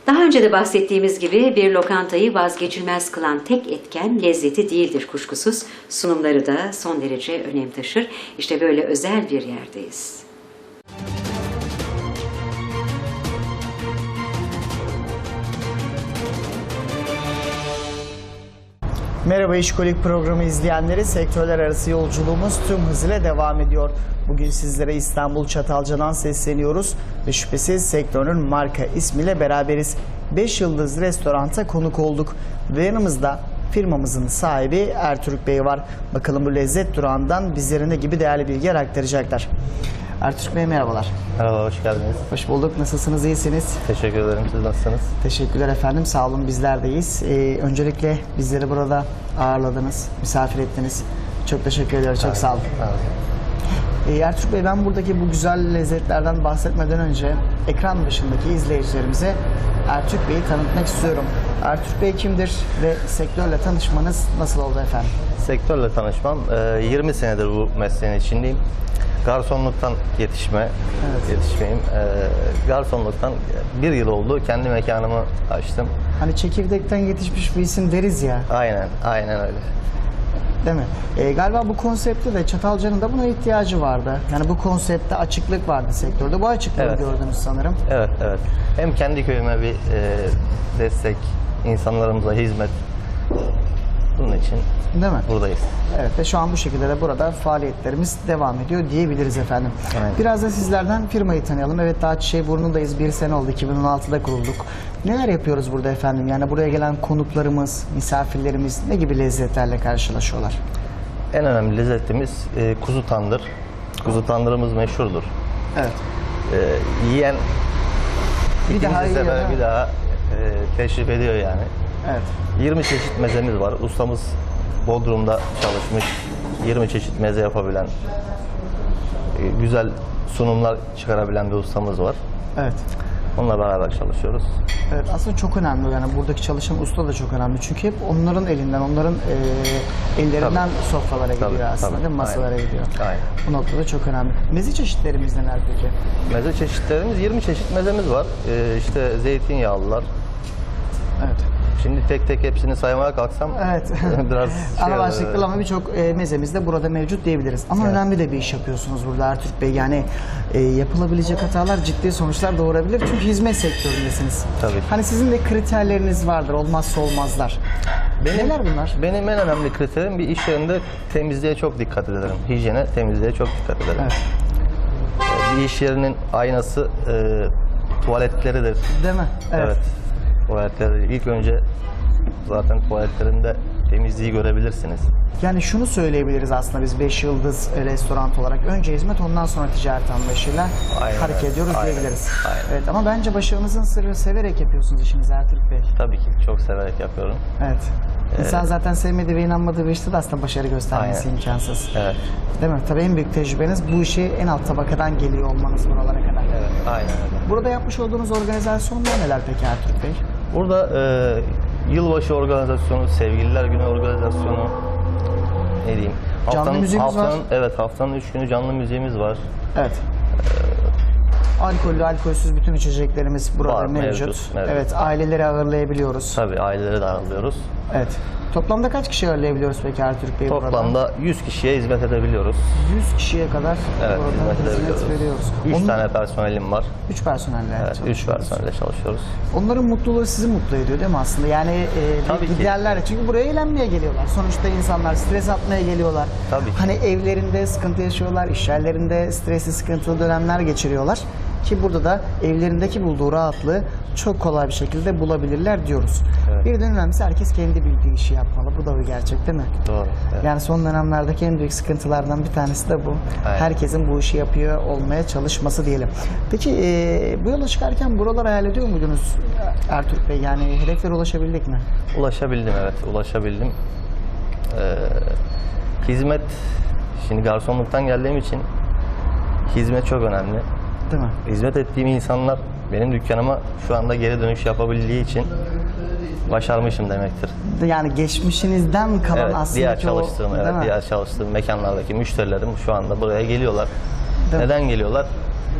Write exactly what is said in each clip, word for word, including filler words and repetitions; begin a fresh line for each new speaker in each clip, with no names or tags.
Daha önce de bahsettiğimiz gibi bir lokantayı vazgeçilmez kılan tek etken lezzeti değildir kuşkusuz. Sunumları da son derece önem taşır. İşte böyle özel bir yerdeyiz.
Merhaba İşkolik programı izleyenleri, sektörler arası yolculuğumuz tüm hızıyla devam ediyor. Bugün sizlere İstanbul Çatalca'dan sesleniyoruz ve şüphesiz sektörün marka ismiyle beraberiz. beş yıldız restoranta konuk olduk ve yanımızda firmamızın sahibi Ertürk Bey var. Bakalım bu lezzet durağından bizlere ne gibi değerli bilgiler aktaracaklar. Ertürk Bey merhabalar.
Merhaba, hoş geldiniz.
Hoş bulduk. Nasılsınız? İyisiniz?
Teşekkür ederim. Siz nasılsınız?
Teşekkürler efendim. Sağ olun. Bizler de iyiyiz. Ee, öncelikle bizleri burada ağırladınız, misafir ettiniz. Çok teşekkür ederim. Çok sağ olun. Ee, Ertürk Bey, ben buradaki bu güzel lezzetlerden bahsetmeden önce ekran başındaki izleyicilerimize Ertürk Bey'i tanıtmak istiyorum. Ertürk Bey kimdir ve sektörle tanışmanız nasıl oldu efendim?
Sektörle tanışmam, yirmi senedir bu mesleğin içindeyim. Garsonluktan yetişme, evet. yetişmeyim. Garsonluktan bir yıl oldu. Kendi mekanımı açtım.
Hani çekirdekten yetişmiş bir isim deriz ya.
Aynen, aynen öyle.
Değil mi? E, galiba bu konseptte de Çatalca'nın da buna ihtiyacı vardı. Yani bu konseptte açıklık vardı sektörde. Bu açıklığı evet. gördünüz sanırım.
Evet, evet. Hem kendi köyüme bir e, destek, insanlarımıza hizmet. Bunun için
değil mi?
Buradayız.
Evet ve şu an bu şekilde de burada faaliyetlerimiz devam ediyor diyebiliriz efendim. Evet. Biraz da sizlerden firmayı tanıyalım. Evet, daha Çiçeğiburnu'ndayız. Bir sene oldu. iki bin on altıda kurulduk. Neler yapıyoruz burada efendim? Yani buraya gelen konuklarımız, misafirlerimiz ne gibi lezzetlerle karşılaşıyorlar?
En önemli lezzetimiz e, kuzu tandır. Kuzu tandırımız meşhurdur.
Evet.
E, yiyen
bir daha
sefer
yiyor,
bir daha e, teşrif ediyor yani.
Evet.
yirmi çeşit mezemiz var. Ustamız Bodrum'da çalışmış. yirmi çeşit meze yapabilen, güzel sunumlar çıkarabilen bir ustamız var.
Evet.
Onunla beraber çalışıyoruz.
Evet, aslında çok önemli. Yani buradaki çalışan usta da çok önemli. Çünkü hep onların elinden, onların e, ellerinden tabii. sofralara gidiyor tabii, aslında tabii. değil mi? Masalara Aynen. gidiyor.
Aynen.
Bu noktada çok önemli. Meze çeşitlerimiz neler peki?
Meze çeşitlerimiz yirmi çeşit mezemiz var. Ee, işte zeytinyağlılar.
Evet.
Şimdi tek tek hepsini saymaya kalksam
evet.
biraz şey
ana başlıklı ama birçok e, mezemiz de burada mevcut diyebiliriz. Ama evet. önemli de bir iş yapıyorsunuz burada Ertürk Bey. Yani e, yapılabilecek hatalar ciddi sonuçlar doğurabilir. Çünkü hizmet sektöründesiniz.
Tabii.
Hani sizin de kriterleriniz vardır, olmazsa olmazlar. Benim, Neler bunlar?
Benim en önemli kriterim bir iş yerinde temizliğe çok dikkat ederim. Hijyene, temizliğe çok dikkat ederim. Evet. Bir iş yerinin aynası e, tuvaletleridir.
Değil mi? Evet.
evet. Tuvaletleri ilk önce zaten tuvaletlerinde temizliği görebilirsiniz.
Yani şunu söyleyebiliriz aslında biz beş yıldız restoran olarak. Önce hizmet, ondan sonra ticaret anlayışıyla aynen, hareket evet. ediyoruz aynen, diyebiliriz. Aynen. Evet, ama bence başarınızın sırrı severek yapıyorsunuz işinizi Ertürk Bey.
Tabii ki çok severek yapıyorum.
Evet.
Ee,
İnsan zaten sevmediği ve inanmadığı bir işte de aslında başarı göstermesi aynen. imkansız.
Evet.
Değil mi? Tabii en büyük tecrübeniz bu işi en alt tabakadan geliyor olmanız buralara kadar.
Evet, aynen öyle.
Burada yapmış olduğunuz organizasyonlar neler peki Ertürk Bey?
Burada e, yılbaşı organizasyonu, sevgililer günü organizasyonu, ne diyeyim? Haftanın,
canlı müziğimiz
haftanın,
var.
Evet, haftanın üç günü canlı müziğimiz var.
Evet. Ee, Alkollü, alkolsüz bütün içeceklerimiz burada
var,
mevcut.
mevcut, mevcut.
Evet, aileleri ağırlayabiliyoruz.
Tabii, aileleri de ağırlıyoruz.
Evet. Toplamda kaç kişi ağırlayabiliyoruz peki Ertürk Bey burada?
Toplamda yüz kişiye hizmet edebiliyoruz.
yüz kişiye kadar
evet,
burada
hizmet,
hizmet veriyoruz.
üç
Onun...
tane personelim var.
üç personelle
evet, üç personelle çalışıyoruz.
Onların mutluluğu sizi mutlu ediyor değil mi aslında? Yani e,
Tabii
giderler. Çünkü buraya eğlenmeye geliyorlar. Sonuçta insanlar stres atmaya geliyorlar.
Tabii ki.
Hani evlerinde sıkıntı yaşıyorlar, iş yerlerinde stresli, sıkıntılı dönemler geçiriyorlar. Ki burada da evlerindeki bulduğu rahatlığı çok kolay bir şekilde bulabilirler diyoruz. Evet. Bir de önemlisi herkes kendi bildiği işi yapmalı. Bu da bir gerçek değil mi?
Doğru. Evet.
Yani son dönemlerdeki en büyük sıkıntılardan bir tanesi de bu.
Aynen.
Herkesin bu işi yapıyor olmaya çalışması diyelim. Peki e, bu yola çıkarken buraları hayal ediyor muydunuz Ertürk Bey? Yani hedeflere ulaşabildik mi?
Ulaşabildim, evet. Ulaşabildim. Ee, hizmet, şimdi garsonluktan geldiğim için hizmet çok önemli.
Değil mi?
Hizmet ettiğim insanlar benim dükkanıma şu anda geri dönüş yapabildiği için başarmışım demektir.
Yani geçmişinizden kalan
evet,
aslında
diğer çalıştığım,
o,
evet, diğer çalıştığım mekanlardaki müşterilerim şu anda buraya geliyorlar. Değil Neden mi? geliyorlar?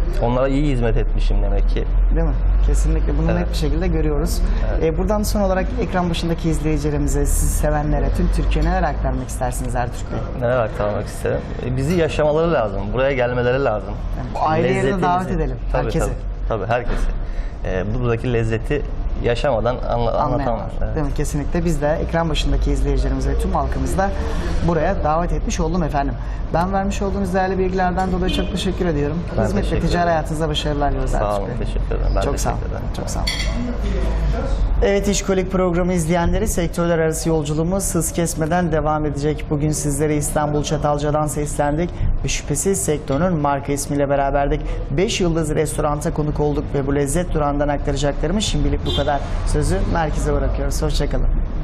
Onlara iyi hizmet etmişim demek ki.
Değil mi? Kesinlikle bunu
Evet.
net bir şekilde görüyoruz. Ee, buradan son olarak ekran başındaki izleyicilerimize, sizi sevenlere, tüm Türkiye'ye neler aktarmak istersiniz Ertürk Bey?
Neler aktarmak isterim? E, Bizi yaşamaları lazım. Buraya gelmeleri lazım.
bu aile yerine
Lezzetimizi-
davet edelim,
Tabii,
herkesi.
Tabii, tabii herkesi. E, buradaki lezzeti yaşamadan anla, anlatamam.
Anlayamaz.
Evet.
Değil mi? Kesinlikle. Biz de ekran başındaki izleyicilerimiz ve tüm halkımızı da buraya davet etmiş oldum efendim. Ben vermiş olduğunuz değerli bilgilerden dolayı çok teşekkür ediyorum.
Ben
Hizmet ve
teşekkür
ticari
ederim.
hayatınızda başarılar diliyoruz
Sağ
Ertürk
olun,
Bey.
teşekkür ederim. Ben
Çok
teşekkür
sağ olun.
ederim.
Çok sağ olun. Evet, İşkolik programı izleyenleri, sektörler arası yolculuğumuz hız kesmeden devam edecek. Bugün sizlere İstanbul Çatalca'dan seslendik ve şüphesiz sektörün marka ismiyle beraberdik. beş yıldız restoranta konuk olduk ve bu lezzet durağından aktaracaklarımız şimdilik bu kadar. Sözü merkeze bırakıyoruz. Hoşçakalın.